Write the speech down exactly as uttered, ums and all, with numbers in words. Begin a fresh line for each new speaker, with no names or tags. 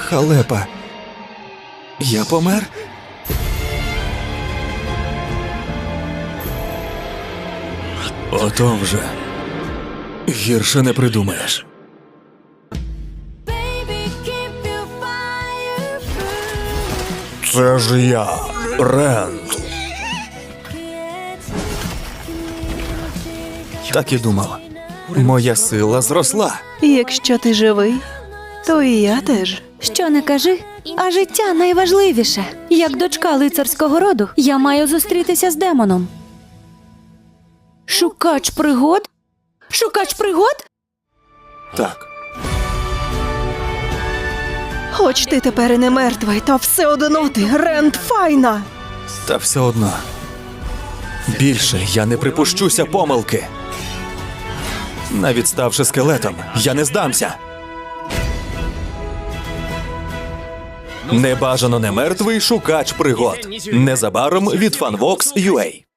Халепа. Я помер? Ото вже. Гірше не придумаєш. Це ж я, Рент. Так і думав. Моя сила зросла.
Якщо ти живий, то і я теж.
Що не кажи, а життя найважливіше. Як дочка лицарського роду, я маю зустрітися з демоном. Шукач пригод? Шукач пригод?
Так.
Хоч ти тепер і не мертвий, та все одно ти Рент Файна.
Та все одно. Більше я не припущуся помилки. Навіть ставши скелетом, я не здамся. Небажано не мертвий шукач пригод. Незабаром від фанвокс крапка ю а.